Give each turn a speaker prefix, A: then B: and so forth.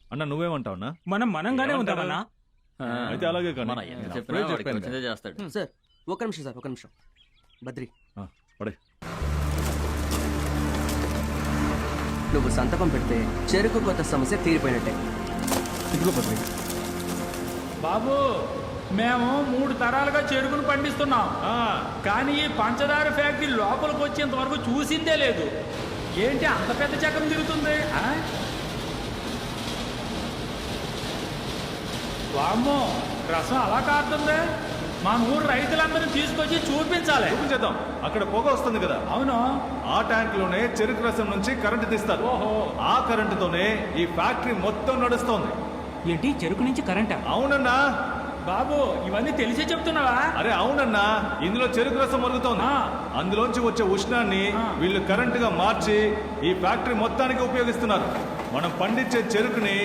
A: అన్న నువ్వేమంటావున్నా?
B: మనంగానే ఉంటామన్నా.
A: అయితే అలాగే కానీ
C: చేస్తాడు.
D: సార్ ఒక నిమిషం సార్, ఒక నిమిషం. బద్రి
A: పడే.
D: నువ్వు సంతకం పెడితే చెరుకు కొత్త సమస్య తీరిపోయినట్టే.
B: ఇదిగో బద్రి.
E: బాబు మేము 3 తరాలుగా చెరుకును పండిస్తున్నాం, కానీ ఈ పంచదార ఫ్యాక్టరీ లోపలికి వచ్చేంత వరకు చూసిందే లేదు. ఏంటి అంత పెద్ద చక్రం తిరుగుతుంది? వామ్మో, రసం అలా కారుతుంది. మా ఊరు రైతులందరినీ తీసుకొచ్చి చూపించాలి.
A: చూపించేద్దాం. అక్కడ పొగ వస్తుంది కదా.
E: అవును.
A: ఆ ట్యాంక్ లోనే చెరుకు రసం నుంచి కరెంటు తీస్తారు.
E: ఓహో.
A: ఆ కరెంటుతోనే ఈ ఫ్యాక్టరీ మొత్తం నడుస్తోంది.
B: ఏంటి చెరుకు నుంచి కరెంటా?
A: అవునన్నా.
E: బాబు ఇవన్నీ తెలిసే చెప్తున్నావా?
A: అరే అవునన్నా, ఇందులో చెరుకు రసం మరుగుతోంది. అందులోంచి వచ్చే ఉష్ణాన్ని వీళ్ళు కరెంటుగా మార్చి ఈ ఫ్యాక్టరీ మొత్తానికి ఉపయోగిస్తున్నారు. మనం పండించే చెరుకుని